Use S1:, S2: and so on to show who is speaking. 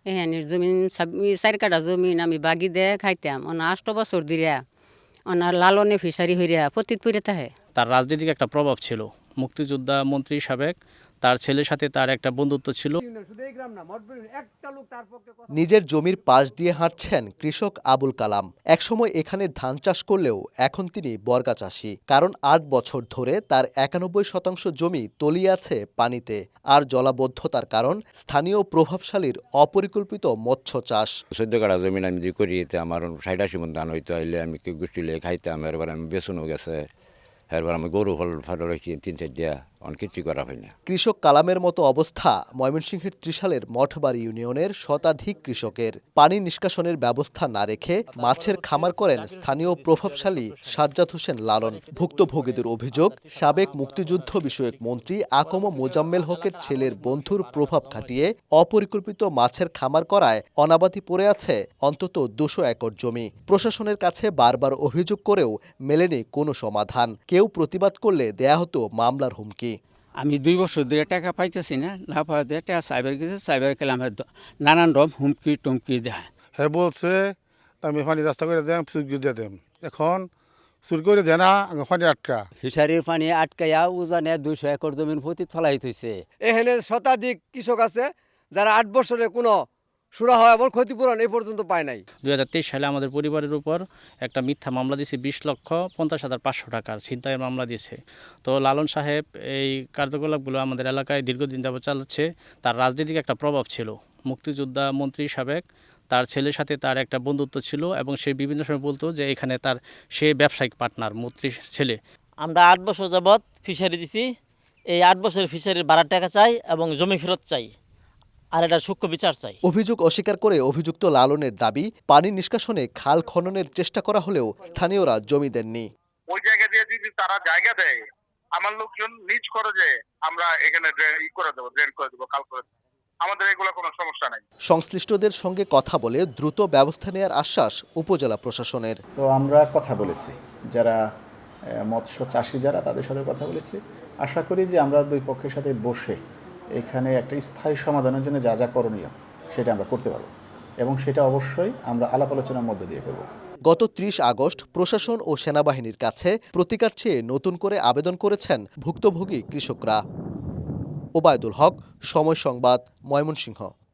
S1: হ্যাঁ জমিন 4 কাঠা জমিন আমি বাগি দিয়ে খাইতাম 8 বছর ধরে ওনার লালনে ফিশারি হইয়া পতিত পড়ে থাকে।
S2: তার রাজনৈতিক একটা প্রভাব ছিল, মুক্তিযোদ্ধা মন্ত্রী সাবেক, তার ছেলের সাথে তার একটা বন্ধুত্ব ছিল।
S3: নিজের জমির পাশ দিয়ে হাঁটছেন কৃষক আবুল কালাম। একসময় এখানে ধান চাষ করলেও এখন তিনি বর্গা চাষী, কারণ 8 বছর ধরে তার 91% জমি তলিয়ে আছে পানিতে। আর জলাবদ্ধতার কারণ স্থানীয় প্রভাবশালীর অপরিকল্পিত মৎস্য চাষ।
S4: 14 কাঠা জমিন আমি যে করি, আমার 60-80 মন ধান হইতো, আইলে আমি গোষ্ঠী লিয়ে খাইতাম। এরবার আমি বেসনও গেছে, এরবার আমি গরু ফল রেখে 3-4 দিয়া অনেক কিছু করা হয় না।
S3: কৃষক কালামের মতো অবস্থা ময়মনসিংহের ত্রিশালের মঠবাড়ি ইউনিয়নের শতাধিক কৃষকের। পানি নিষ্কাশনের ব্যবস্থা না রেখে মাছের খামার করেন স্থানীয় প্রভাবশালী সাজ্জাদ হোসেন লালন। ভুক্তভোগীদের অভিযোগ, সাবেক মুক্তিযুদ্ধ বিষয়ক মন্ত্রী আকম মোজাম্মেল হকের ছেলের বন্ধুর প্রভাব খাটিয়ে অপরিকল্পিত মাছের খামার করায় অনাবাদি পড়ে আছে অন্তত 200 একর জমি। প্রশাসনের কাছে বারবার অভিযোগ করেও মেলেনি কোনো সমাধান। কেউ প্রতিবাদ করলে দেয়া হতো মামলার হুমকি।
S5: আমি 2 বছর ধরে টাকা পাইতেছি না পাওয়াতে টাকা সাইবার গেছে, সাইবার গেলে আমার নানান রকম হুমকি টুমকি দেয়।
S6: হ্যাঁ বলছে আমি পানি রাস্তা করে দেন, চুরি দিয়ে দেন। এখন চুরি করে দেয় না, পানি আটকা।
S5: ফিশারির পানি আটকাইয়া উজানে 200 একর জমির প্রতি ফলাই থইছে।
S7: এখানে শতাধিক কৃষক আছে যারা 8 বছরে কোনো সুরা হয় এবং ক্ষতিপূরণ এই পর্যন্ত পায় নাই।
S2: 2023 সালে আমাদের পরিবারের উপর একটা মিথ্যা মামলা দিয়েছে, 20,50,500 টাকার ছিনতাইয়ের মামলা দিয়েছে। তো লালন সাহেব এই কার্যকলাপগুলো আমাদের এলাকায় দীর্ঘদিন যাবত চালাচ্ছে। তার রাজনৈতিক একটা প্রভাব ছিল, মুক্তিযোদ্ধা মন্ত্রী সাবেক, তার ছেলের সাথে তার একটা বন্ধুত্ব ছিল এবং সে বিভিন্ন সময় বলতো যে এখানে সে ব্যবসায়িক পার্টনার মন্ত্রীর ছেলে।
S8: আমরা 8 বছর যাবৎ ফিশারি দিছি। এই 8 বছরের ফিশারির ভাড়ার টাকা চাই এবং জমি ফেরত চাই, আর এটা সূক্ষ্ম বিচার চাই।
S3: অভিযোগ অস্বীকার করে অভিযুক্ত লালনের দাবি, পানি নিষ্কাশনে খাল খননের চেষ্টা করা হলেও স্থানীয়রা জমি দেননি।
S9: ওই জায়গা দিয়ে যদি তারা জায়গা দেয়, আমার লোকজন নিজ খরচে আমরা এখানে ড্রেন করে দেবো, খাল করে দেবো। আমাদের এগুলো কোনো সমস্যা নাই।
S3: সংশ্লিষ্টদের সঙ্গে কথা বলে দ্রুত ব্যবস্থা নেওয়ার আশ্বাস উপজেলা প্রশাসনের।
S10: তো আমরা কথা বলেছি, যারা মৎস্য চাষি যারা, তাদের সাথে কথা বলেছি। আশা করি যে আমরা দুই পক্ষের সাথে বসে এখানে একটা স্থায়ী সমাধানের জন্য যা যা করণীয় সেটা আমরা করতে পারব, এবং সেটা অবশ্যই আমরা আলাপ আলোচনার মধ্যে দিয়ে করব।
S3: গত 30 আগস্ট প্রশাসন ও সেনাবাহিনীর কাছে প্রতিকার চেয়ে নতুন করে আবেদন করেছেন ভুক্তভোগী কৃষকরা। ওবায়দুল হক, সময় সংবাদ, ময়মনসিংহ।